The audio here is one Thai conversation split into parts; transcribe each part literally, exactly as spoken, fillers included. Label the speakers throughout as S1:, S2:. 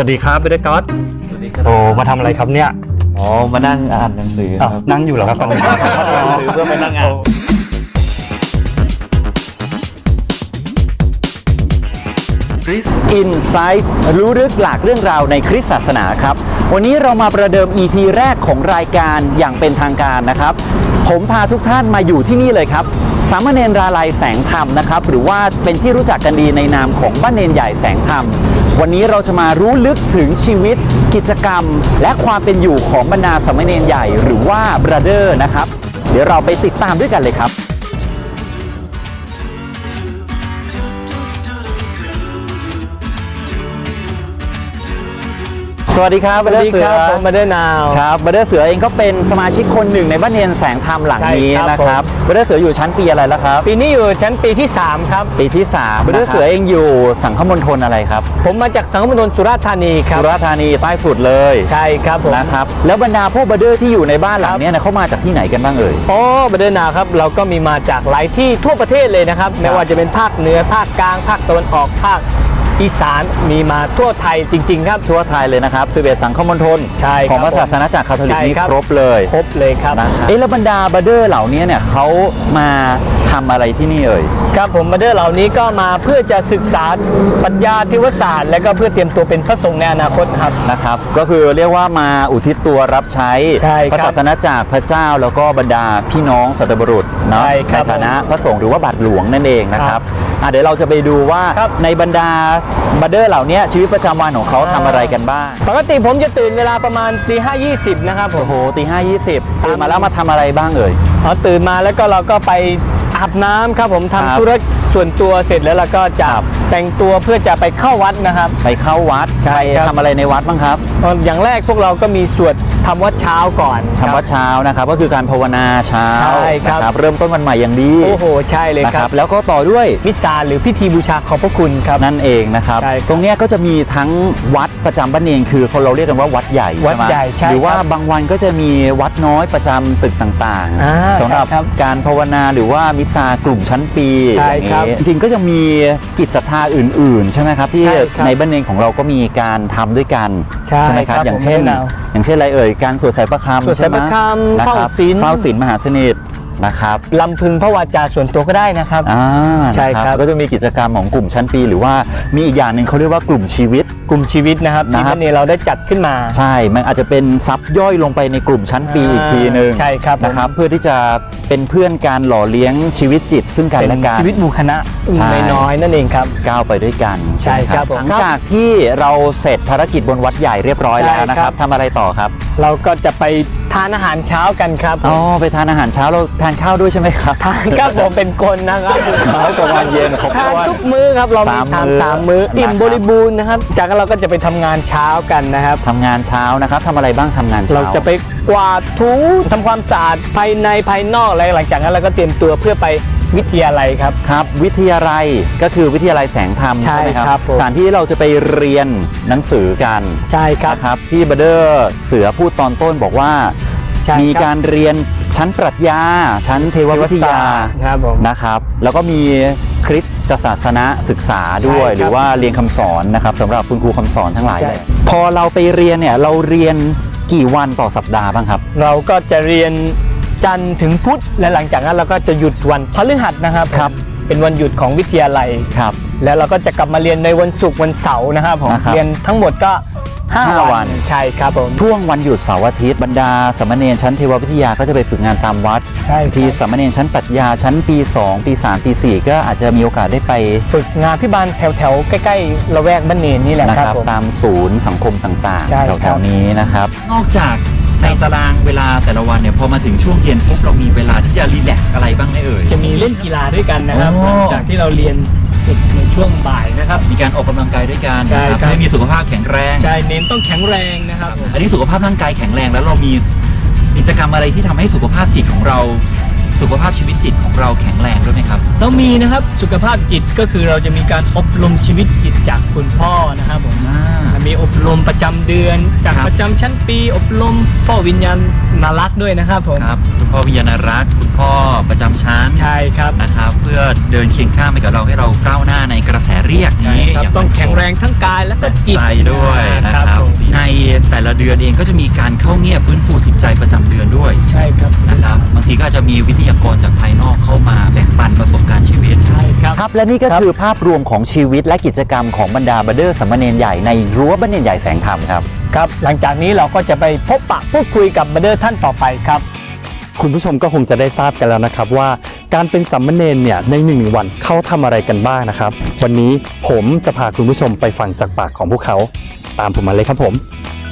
S1: วัสดีครับเบเดก๊อตสวัสดีครับโอ้มาทำอะไรครับเนี่ย
S2: อ๋อมานั่งอ่านหนังสือครับ
S1: นั่งอยู่เหรอครับตอนนี้อ่านหนังสือเพื่อไปนั่งอ่าน
S2: คริสอินไซต์รู้ลึกหลากเรื่องราวในคริสตศาสนาครับวันนี้เรามาประเดิม อี พี แรกของรายการอย่างเป็นทางการนะครับผมพาทุกท่านมาอยู่ที่นี่เลยครับสามเณรราลัยแสงธรรมนะครับหรือว่าเป็นที่รู้จักกันดีในนามของบ้านเนนใหญ่แสงธรรมวันนี้เราจะมารู้ลึกถึงชีวิตกิจกรรมและความเป็นอยู่ของบรรดาสามเณรใหญ่หรือว่าบราเดอร์นะครับเดี๋ยวเราไปติดตามด้วยกันเลยครับสวัสดีครับบัดเดอร์เสือ
S1: ผมบัดเดอร์นาว
S2: ครับบัดเดอร์เสือเองก็เป็นสมาชิกคนหนึ่งในบ้านเนนแสงธรรมหลังนี้นะครับบัดเดอร์เสืออยู่ชั้นปีอะไรแล้วครับ
S1: ปีนี้อยู่ชั้นปีที่สามครับ
S2: ปีที่สามบัดเดอร์เสือเองอยู่สังคมณฑลอะไรครับ
S1: ผมมาจากสังคมณฑลสุราษฎร์ธานีครับ
S2: สุราษฎร์ธานีใต้สุดเลย
S1: ใช่ครับผม
S2: นะครับแล้วบรรดาพวกบัดเดอร์ที่อยู่ในบ้านหลังนี้นะเขามาจากที่ไหนกันบ้างเอ่ย
S1: อ๋อบัดเดอร์นาวครับเราก็มีมาจากหลายที่ทั่วประเทศเลยนะครับไม่ว่าจะเป็นภาคเหนือภาคกลางภาคตะวันออกภาคอีสานมีมาทั่วไทยจริงๆครับ
S2: ทั่วไทยเลยนะครับสิบเอ็ดสังคมณฑลของพระศาสนาจักรคาทอลิกนี่ครบเลย
S1: ครบเลยครับ
S2: เอ๊ะแล้วบรรดาบัดเดอร์เหล่านี้เนี่ยเขามาทำอะไรที่นี่เอ่ย
S1: ครับผมบัดเดอร์เหล่านี้ก็มาเพื่อจะศึกษาปรัชญาเทวศาสตร์และก็เพื่อเตรียมตัวเป็นพระสงฆ์ในอนาคตครับ
S2: นะครับก็คือเรียกว่ามาอุทิศตัวรับใช้พระศาสนาจักรพระเจ้าแล้วก็บรรดาพี่น้องสัตบุรุษเนาะในฐานะพระสงฆ์หรือว่าบาทหลวงนั่นเองนะครับเดี๋ยวเราจะไปดูว่าในบรรดาบัดเดอร์เหล่านี้ชีวิตประจำวันของเขาทำอะไรกันบ้าง
S1: ปกติผมจะตื่นเวลาประมาณตีห้ายี่สิบนะครับ
S2: โอ้โหตีห้ายี่สิบตื่นมาแล้วมาทำอะไรบ้างเอ่ย
S1: อ๋อตื่นมาแล้วก็เราก็ไปอาบน้ำครับผมทำธุระส่วนตัวเสร็จแล้วเราก็จะแต่งตัวเพื่อจะไปเข้าวัดนะครับ
S2: ไปเข้าวัด
S1: ใช่
S2: ทำอะไรในวัดบ้างครับ
S1: อย่างแรกพวกเราก็มีสวดทำวัดเช้าก่อน
S2: ทำวัดเช้านะครับก็คือการภาวนาเช้า
S1: ใช่ครับ
S2: เริ่มต้นวันใหม่อย่างดี
S1: โอ้โหใช่เลยครับ
S2: แล้วก็ต่อด้วย
S1: มิสซาหรือพิธีบูชาขอบพระคุณครับ
S2: นั่นเองนะครับตรงนี้ก็จะมีทั้งวัดประจำบ้านเนนคือเราเรียกกันว่าวัดใหญ่
S1: วัดใหญ่
S2: หรือว่าบางวันก็จะมีวัดน้อยประจำตึกต่างๆสำหรับการภาวนาหรือว่ามิสซากลุ่มชั้นปีอย่างนี้จริงๆก็จะมีกิจศรัทธาอื่นๆใช่ไหมครับที่ในบ้านเนนของเราก็มีการทำด้วยกันใช่ไหมครับอย่างเช่นอย่างเช่นอะไรเอ่ยการสวดใส่ประคำ
S1: สวดใส่ประคำเฝ้าศีล
S2: เฝ้าศีลมหาสนิทนะครับ
S1: ลำพึงพระวาจาส่วนตัวก็ได้นะครับ
S2: อ่า
S1: ใช่ครับ
S2: ก็จะมีกิจกรรมของกลุ่มชั้นปีหรือว่ามีอีกอย่างหนึ่งเขาเรียกว่ากลุ่มชีวิต
S1: กลุ่มชีวิตนะครับที่บ้านเนนเราได้จัดขึ้นมา
S2: ใช่มันอาจจะเป็นซับย่อยลงไปในกลุ่มชั้นปีอีกทีนึง
S1: ใช่ครับ
S2: นะครับเพื่อที่จะเป็นเพื่อนการหล่อเลี้ยงชีวิตจิตซึ่งกันและกัน
S1: ชีวิตหมู่คณะน้อยๆนั่นเองครับ
S2: ก้าวไปด้วยกัน
S1: ใช่ครับ
S2: หลังจากที่เราเสร็จภารกิจบนวัดใหญ่เรียบร้อยแล้วนะครับทำอะไรต่อครับ
S1: เราก็จะไปทานอาหารเช้ากันครับ
S2: อ๋อไปทานอาหารเช้าเราทานข้าวด้วยใช่ไหมครับ
S1: ทานครับผมเป็นคนนะครับ
S2: เช้ากับวันเย็น
S1: ทานทุกมื้อครับเรามีทานสามมื้ออิ่มบริบูรณ์นะครับจากนั้นเราก็จะไปทำงานเช้ากันนะครับ
S2: ทำงานเช้านะครับทำอะไรบ้างทำงานเช้า
S1: เราจะไปกวาดถูทำความสะอาดภายในภายนอกอะไรหลังจากนั้นเราก็เตรียมตัวเพื่อไปวิทยาลัยครับ
S2: ครับวิทยาลัยก็คือวิทยาลัยแสงธรรม
S1: ใช่ไหมครับ
S2: สถานที่เราจะไปเรียนหนังสือกัน
S1: ใช่ครับ
S2: ครับที่บัดเดอร์เสือพูดตอนต้นบอกว่ามีการเรียนชั้นปรัชญาชั้นเทววิทยานะครับแล้วก็มีคริสตศาสนาศึกษาด้วยหรือว่าเรียนคำสอนนะครับสำหรับคุณครูคำสอนทั้งหลายเลยพอเราไปเรียนเนี่ยเราเรียนกี่วันต่อสัปดาห์บ้างครับ
S1: เราก็จะเรียนจันทร์ถึงพุธและหลังจากนั้นเราก็จะหยุดวันพฤหัสนะครับ
S2: ครับ
S1: เป็นวันหยุดของวิทยาลัย
S2: ครับ
S1: แล้วเราก็จะกลับมาเรียนในวันศุกร์วันเสาร์นะครับผมเรียนทั้งหมดก็ห้าวันใช่ครับผม
S2: ช่วงวันหยุดเสาร์อาทิตย์บรรดาสามเณรชั้นเทววิทยาก็จะไปฝึกงานตามวัด
S1: ใช่
S2: ที่สามเณรชั้นปรัชญาชั้นปีสองปีสามปีสี่ก็อาจจะมีโอกาสได้ไป
S1: ฝึกงานพิบาลแถวๆใกล้ๆละแวกบ้านเนนนี่แหละครับ
S2: ตามศูนย์สังคมต่างๆแถวๆนี้นะครับนอกจากในตารางเวลาแต่ละวันเนี่ยพอมาถึงช่วงเย็นปุ๊บเรามีเวลาที่จะรีแลกซ์อะไรบ้างไหมเอ่ย
S1: จะมีเล่นกีฬาด้วยกันนะครับหลังจากที่เราเรียนในช่วงบ่ายนะครับ
S2: มีการออกกำลังกายด้วยกันนะครับให้มีสุขภาพแข็งแรง
S1: ใช่เน้นต้องแข็งแรงนะครับ
S2: อันนี้สุขภาพร่างกายแข็งแรงแล้วเรามีกิจกรรมอะไรที่ทำให้สุขภาพจิตของเราสุขภาพชีวิตจิตของเราแข็งแรงด้วยไหมครับ
S1: ต้องมีนะครับสุขภาพจิตก็คือเราจะมีการอบรมชีวิตจิตจากคุณพ่อนะครับผมมีอบรมประจำเดือนจากประจำชั้นปีอบรมพ่อวิญญาณนารักด้วยนะครับผม
S2: ครับคุณพ่อวิญญาณรักคุณพ่อประจำชั้น
S1: ใช่ครับ
S2: นะครับเพื่อเดินเคียงข้างไปกับเราให้เราก้าวหน้าในกระแสเรียกนี้
S1: ต้องแข็งแรงทั้งกายและก็จิต
S2: ด้วยนะค
S3: แต่ละเดือนเองก็จะมีการเข้าเงียบฟื้นฟูจิตใจประจำเดือนด้วย
S1: ใช่ครับ
S3: นะครับบางทีก็อาจจะมีวิทยากรจากภายนอกเข้ามาแบ่งปันประสบการณ์ชีวิต
S1: ใช่ครับ
S2: ครับและนี่ก็คือภาพรวมของชีวิตและกิจกรรมของบรรดาบัดเดอร์สามเณรใหญ่ในรั้วบัดเนรใหญ่แสงธรรมครับ
S1: ครับหลังจากนี้เราก็จะไปพบปะพูดคุยกับบัดเดอร์ท่านต่อไปครับ
S4: คุณผู้ชมก็คงจะได้ทราบกันแล้วนะครับว่าการเป็นสามเณรเนี่ยในหนึ่งวันเขาทำอะไรกันบ้างนะครับวันนี้ผมจะพาคุณผู้ชมไปฟังจากปากของพวกเขาตามผมมาเลยครับผม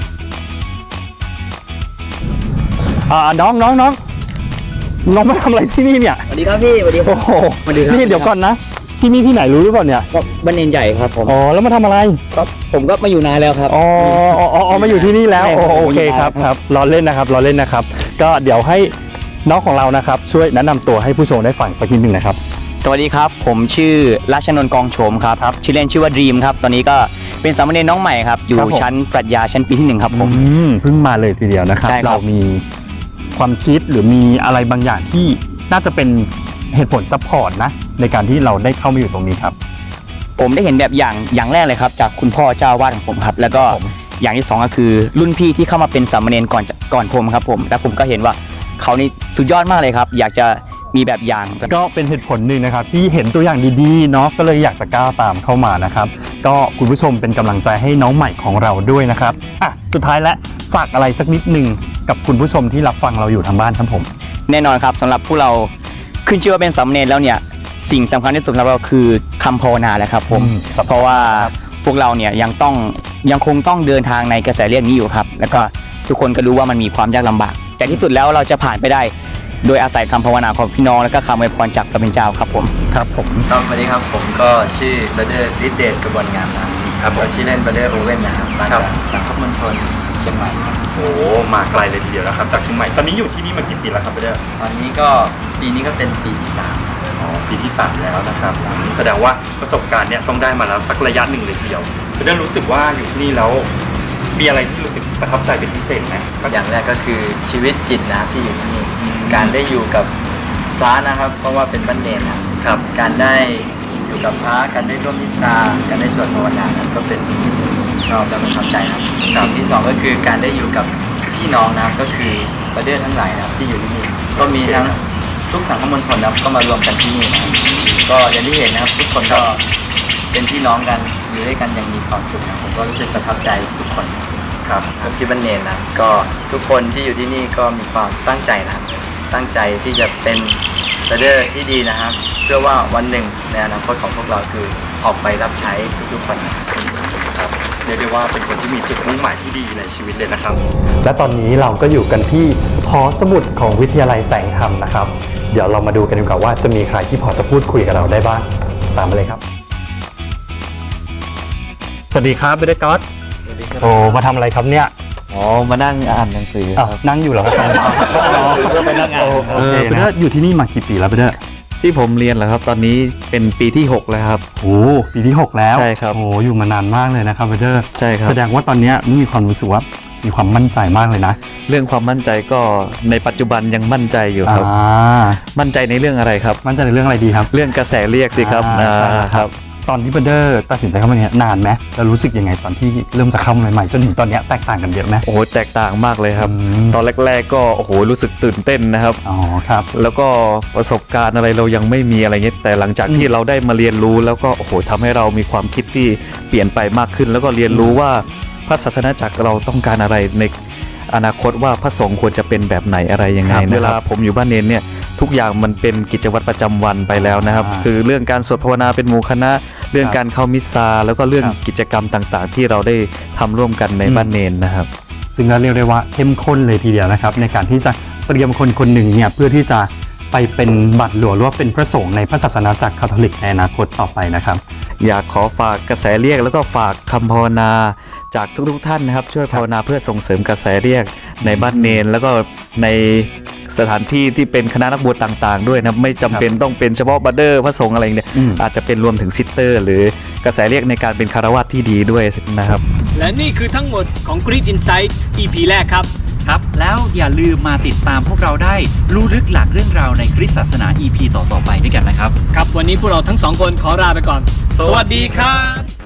S4: อ่าน้องน้องน้องน้องมาทำอะไรที่นี่เนี่ย
S2: สวัสดีครับพี่สวัสดีครั
S4: โอ้
S2: บ
S4: โห
S2: สวัสดีครับ
S4: นี่เดี๋ยวก่อนนะที่นี่ที่ไหนรู้หรือเปล่าเนี่ย
S2: ก็บัดเนรใหญ่ครับผม
S4: อ๋อแล้วมาทำอะไร
S2: ก็ผมก็มาอยู่นานแล้วครับ
S4: อ๋ออ๋ออ๋ออ๋อมาอยู่ที่นี่แล้ว
S2: ใช่
S4: โอ
S2: ครับ
S4: โอเคครับครับรอเล่นนะครับรอเล่นนะครับ ก็เดี๋ยวให้น้องของเรานะครับช่วยแนะนำตัวให้ผู้ชมได้ฟังสักนิดหนึ่งนะครับ
S5: สวัสดีครับ ผมชื่อราชนนท์กองโฉมครับครับชื่อเล่นชื่อว่าดรีมครับตอนนี้ก็เป็นสามเณรน้องใหม่ครับอยู่
S4: ครับผม
S5: ชั้นปรัชญาชั้นปีที่หนึ่งครับผม
S4: อืมเพิ่งมาเลยทีเดียวนะครับ
S5: ใช่ครับ
S4: เรามีความคิดหรือมีอะไรบางอย่างที่น่าจะเป็นเหตุผลซัพพอร์ตนะในการที่เราได้เข้ามาอยู่ตรงนี้ครับ
S5: ผมได้เห็นแบบอย่างอย่างแรกเลยครับจากคุณพ่อเจ้าอาวาดของผมครับแล้วก็
S4: ผม
S5: อย่างที่สองก็คือรุ่นพี่ที่เข้ามาเป็นสามเณรก่อนจะก่อนผมครับผมแล้วผมก็เห็นว่าเขานี่สุดยอดมากเลยครับ อยากจะมีแบบอย่าง
S4: ก็เป็นเหตุผลหนึ่งนะครับที่เห็นตัวอย่างดีๆเนาะก็เลยอยากจะก้าวตามเข้ามานะครับ ก็คุณผู้ชมเป็นกำลังใจให้น้องใหม่ของเราด้วยนะครับอ่ะสุดท้ายและฝากอะไรสักนิดหนึ่งกับคุณผู้ชมที่รับฟังเราอยู่ทางบ้านครับผม
S5: แน่นอนครับสำหรับผู้เราขึ้นชื่อว่าเป็นสามเณรแล้วเนี่ยสิ่งสำคัญที่สุดสำหรับเราคือคำภาวนาแหละครับผม
S4: อืมสำคัญ
S5: เพราะว่าพวกเราเนี่ยยังต้องยังคงต้องเดินทางในกระแสเลือดนี้อยู่ครับแล้วก็ทุกคนก็รู้ว่ามันมีความยากลำบาก แต่ที่สุดแล้วเราจะผ่านไปได้ โดยอาศัยคำภาวนาของพี่น้องและก็คำอวยพรจากพระเป็นเจ้าครับผม
S4: ครับผม
S6: ครับสวัสดีครับผมก็ชื่อบัเดอร์ฤทธิเดชกระบวนงามนะครับก็ชื่อเล่นบัเดอร์โอเว่นนะครับมาจากสังคมมณฑลเชียงใหม่ครับ
S7: โอ้มาไกลเลยทีเดียวนะครับจากเชียงใหม่ตอนนี้อยู่ที่นี่มากี่ปีแล้วครับเบเดอร์
S6: ตอนนี้ก็ปีนี้ก็เป็นปีที่สาม
S7: อ๋อปีที่สามแล้วนะครับแสดงว่าประสบการณ์เนี่ยต้องได้มาแล้วสักระยะหนึ่งเลยทีเดียวเบเดอร์รู้สึกว่าอยู่ที่นี่แล้วมีอะไรที่รู้สึกประทับใจเป็นพิเศษไหม
S6: อย่างแรกก็คือชีวิตจิตนะครับที่อยู่ที่นี่การได้อยู่กับพระนะครับ เพราะว่าเป็นบ้านเนรนะครับการได้อยู่กับพระการได้ร่วมมิซาการได้สวดภาวนานั้นก็เป็นสิ่งที่ผมชอบและประทับใจนะครับสิ่งที่สองก็คือการได้อยู่กับพี่น้องนะครับก็คือบัเดอร์ทั้งหลายนะครับที่อยู่ที่นี่ก็มีทั้งทุกสังคมมณฑลนะครับก็มารวมกันที่นี่นะครับก็อย่างที่เห็นนะครับทุกคนก็เป็นพี่น้องกันอยู่ด้วยกันอย่างมีความสุขนะผมก็รู้สึกประทับใจทุกคนครับผมที่บ้านเนรนะก็ทุกคนที่อยู่ที่นี่ก็มีความตั้งใจนะครับตั้งใจที่จะเป็นบัเดอร์ที่ดีนะครับ เพื่อว่าวันหนึ่งในอนาคตของพวกเราคือออกไปรับใช้ทุกๆคนนะครับ
S7: เรียกได้ว่าเป็นคนที่มีจุดมุ่งหมายที่ดีในชีวิตเลยนะครับ
S4: และตอนนี้เราก็อยู่กันที่หอสมุดของวิทยาลัยแสงธรรมนะครับ เดี๋ยวเรามาดูกันดีกว่าว่าจะมีใครที่พอจะพูดคุยกับเราได้บ้างตามมาเลยครับ สวัสดีครับเบเดอร์ก๊อตโอ้มาทำอะไรครับเนี่ย
S8: อ๋อ มานั่งอ่านหนังสือ
S4: อ้าวนั่งอยู่เหรอครับก็ไปนั่งอ่านโอเค
S8: เออ
S4: นะอยู่ที่นี่มากี่ปีแล้วเบเดอร์
S8: ที่ผมเรียนเหรอครับ ตอนนี้เป็นปีที่หกแล้วครับ
S4: โอ้ปีที่หกแล้ว
S8: ใช่ครับ
S4: โอ้อยู่มานานมากเลยนะครับเบเดอร์
S8: ใช่ครับ
S4: แสดงว่าตอนเนี้ยมีความรู้สึกว่ามีความมั่นใจมากเลยนะ
S8: เรื่องความมั่นใจก็ในปัจจุบันยังมั่นใจอยู่ครับ
S4: อ่า
S8: มั่นใจในเรื่องอะไรครับ
S4: มั่นใจในเรื่องอะไรดีครับ
S8: เรื่องกระแสเรียกสิครับ
S4: อ่าใช่
S8: อ่า
S4: ค
S8: ค
S4: รั
S8: รับ บ
S4: ตอนที่เบเดอร์ตัดสินใจเข้ามาเนี่ยนานไหมแล้วรู้สึกยังไงตอนที่เริ่มจะเข้ามาใหม่ๆจนถึงตอนเนี้ยแตกต่างกันเยอะไหม
S8: โอ้โห แตกต่างมากเลยครับ
S4: อืม
S8: ตอนแรก ๆ ก็โอ้โห รู้สึกตื่นเต้นนะครับ
S4: อ๋อครับ
S8: แล้วก็ประสบการณ์อะไรเรายังไม่มีอะไรเงี้ย แต่หลังจากที่
S4: อืม
S8: เราได้มาเรียนรู้แล้วก็โอ้โหทำให้เรามีความคิดที่เปลี่ยนไปมากขึ้น แล้วก็เรียนรู้ว่าพระศาสนาจักรเราต้องการอะไรในอนาคตว่าพระสงฆ์ควรจะเป็นแบบไหนอะไรยังไง
S4: ครับ
S8: เวลาผมอยู่บ้านเนนเนี่ยทุกอย่างมันเป็นกิจวัตรประจำวันไปแล้วนะครับ
S4: อ่า
S8: คือเรื่องการสวดภาวนาเป็นหมู่คณะ เรื่องการเข้ามิสซาแล้วก็เรื่อง
S4: ครับ
S8: กิจกรรมต่างๆ ที่เราได้ทำร่วมกันใน
S4: อืม
S8: บ้านเนนนะครับ
S4: ซึ่งก็เรียกได้ว่าเข้มข้นเลยทีเดียวนะครับในการที่จะเตรียมคนคนหนึ่งเนี่ยเพื่อที่จะไปเป็นบัตรหลวงหรือว่าเป็นพระสงฆ์ในพระศาสนาจักรคาทอลิกในอนาคตต่อไปนะครับ
S8: อยากขอฝากกระแสเรียกแล้วก็ฝากคำภาวนาจากทุกๆท่านนะครับ ช่วยภาวนาเพื่อส่งเสริมกระแสเรียกในบ้านเนน แล้วก็ในสถานที่ที่เป็นคณะนักบวชต่างๆ ด้วยนะครับไม่จำเป็นต้องเป็นเฉพาะบัดเดอร์พระสงฆ์อะไรเนี่ย
S4: อืม
S8: อาจจะเป็นรวมถึงซิสเตอร์ หรือกระแสเรียกในการเป็นคารวะที่ดีด้วยนะครับ
S1: และนี่คือทั้งหมดของ Grit Insight อี พี แรกครับ
S3: ครับแล้วอย่าลืมมาติดตามพวกเราได้รู้ลึกหลักเรื่องราวในคริสตศาสนา อี พี ต่อๆไปด้วยกันนะครับ
S1: ครับวันนี้พวกเราทั้งสองคนขอลาไปก่อน สวัสดีครับ